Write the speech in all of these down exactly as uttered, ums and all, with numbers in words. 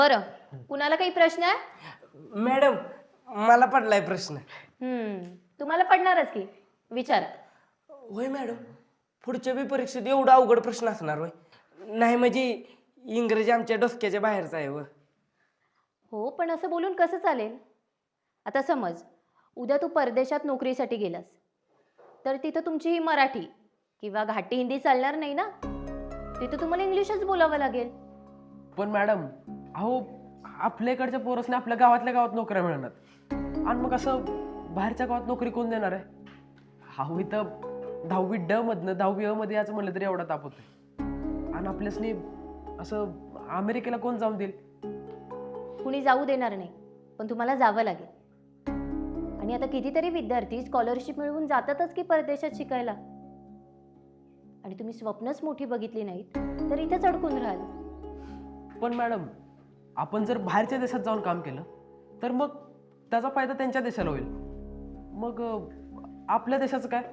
बरं, कुणाला काही प्रश्न आहे? मॅडम मला पडलाय प्रश्न. हम्म तुम्हाला पडणारच की, विचारा. होय मॅडम, पुढच्या बी परीक्षेत एवढा अवघड प्रश्न असणार होय? नाही म्हणजे इंग्रजी आमच्या डोसक्याच्या बाहेरचा आहे व. हो, पण असं बोलून कसं चालेल? आता समज उद्या तू परदेशात नोकरीसाठी गेलास, तर तिथं तुमची ही मराठी किंवा घाटी हिंदी चालणार नाही ना. तिथं तुम्हाला इंग्लिशच बोलावं लागेल. पण मॅडम, अहो आपल्या इकडच्या पोरसने आपल्या गावातल्या गावात नोकऱ्या मिळणार आणि मग असं बाहेरच्या गावात नोकरी कोण देणार आहे? अहो इथं दहावी ड मधनं दहावी अ मध्ये याचं म्हणलं तरी एवढा ताप होतोय आणि आपल्यासनी असं अमेरिकेला कोण जाऊन देईल? कुणी जाऊ देणार नाही, पण तुम्हाला जावं लागेल. आणि आता कितीतरी विद्यार्थी स्कॉलरशिप मिळवून जातातच की परदेशात शिकायला. आणि तुम्ही स्वप्नच मोठी बघितली नाहीत तर इथेच अडकून राहाल. पण मॅडम, आपण जर बाहेरच्या देशात जाऊन काम केलं तर मग त्याचा फायदा त्यांच्या देशाला होईल. मग अं, आपल्या देशाचं काय?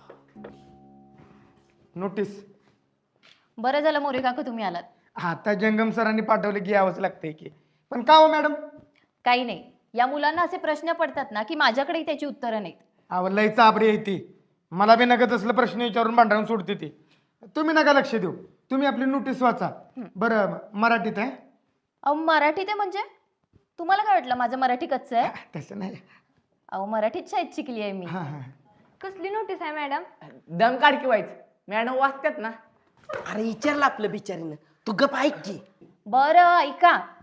नोटीस. बरं झालं मोरे काका तुम्ही आलात. आता जंगम सरांनी पाठवले की यावंच लागतंय की. पण का हो मॅडम? काही नाही, या मुलांना असे प्रश्न पडतात ना की माझ्याकडेही त्याची उत्तरं नाहीत. अहो लई चाबरी आहे ती. मला बी नका तसलं प्रश्न विचारून भांडण सोडते ती. तुम्ही नका लक्ष देऊ, तुम्ही आपली नोटीस वाचा. बरं मराठीत आहे? अहो मराठीत आहे म्हणजे? तुम्हाला काय वाटलं माझं मराठी कच्चं आहे? तसं नाही. अहो मराठीत शाळेत शिकली आहे मी. हां हां. कसली नोटीस आहे मॅडम? दम काढ की व्हायचं, मॅडम वाचतात ना. अरे विचारलं आपलं बिचारीनं, तू गप ऐक की. बरं ऐका,